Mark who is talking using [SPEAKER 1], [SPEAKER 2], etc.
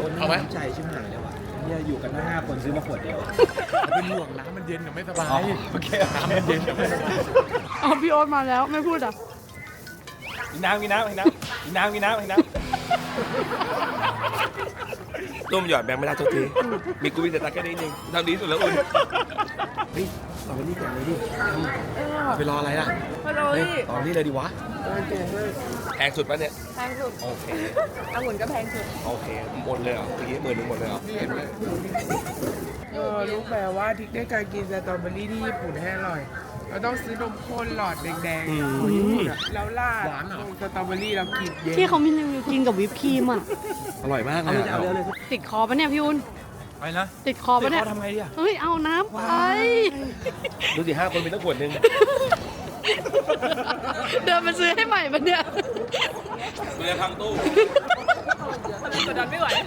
[SPEAKER 1] เอาไหม
[SPEAKER 2] น้ำใจชิบหายเลยว่ะเนี่ยอยู่กันห้าคนซื้อมาขวดเดียว
[SPEAKER 1] เป็นห่วงน้ำมันเย็นกับไม่สบาย
[SPEAKER 2] โอเค
[SPEAKER 1] น้ำมันเย็นกับไม่สบาย
[SPEAKER 3] อ๋อพี่โอ๊ตมาแล้วไม่พูดอ่ะ
[SPEAKER 2] กินน้ำกินน้ำกินน้ำกินน้ำกินน้ำกินน้ำ
[SPEAKER 4] ต้มหยอดแบงค์ไม่ได้ทุกทีมีกูมีแต่ตาแค่นี้เองเท่านี้สุดแล้วอุ่น
[SPEAKER 2] เฮ้ยเอาไปนี่ก่อนเลยดิ
[SPEAKER 1] ไปรออะไรล่ะ
[SPEAKER 3] ฮัลโหล
[SPEAKER 1] เฮ้ย
[SPEAKER 3] พี่
[SPEAKER 1] ตอนนี้เลยดีวะ
[SPEAKER 4] แพงสุดปะเนี่ย
[SPEAKER 3] แพงสุด
[SPEAKER 4] โอเค
[SPEAKER 3] องุ่นก็แพงสุด
[SPEAKER 4] โอเคหมดเลยเหรอเมื่อกี้10,000หมดเลยเหรอเห็นไหม
[SPEAKER 5] รู้ไหมว่าทริคในการกินสตรอเบอรี่ที่ญี่ปุ่นให้อร่อย เราต้องซื้อนมข้นหลอดแดงๆของญี่ปุ่นอะแล้วราดลงสตรอเบอรี่แล้วกินเย็น
[SPEAKER 3] ที่เขามีรีวิวกินกับวิปครีมอ่ะ
[SPEAKER 1] อร่อยมากเลย
[SPEAKER 2] เอาเร็วเลย
[SPEAKER 3] ติดคอปะเนี่ยพี่อุ่น
[SPEAKER 1] ไปนะ
[SPEAKER 3] ติดคอปะเนี่ย
[SPEAKER 1] ทำไงดีอ่ะ
[SPEAKER 3] เฮ้ยเอาน้ำไป
[SPEAKER 4] ดูสิ5 คนมีตั้งขวดหนึง
[SPEAKER 3] เดินมาซื้อให้ใหม่ปะเนี่ย
[SPEAKER 4] เรือพังตู้
[SPEAKER 3] กดดันไม่ไหว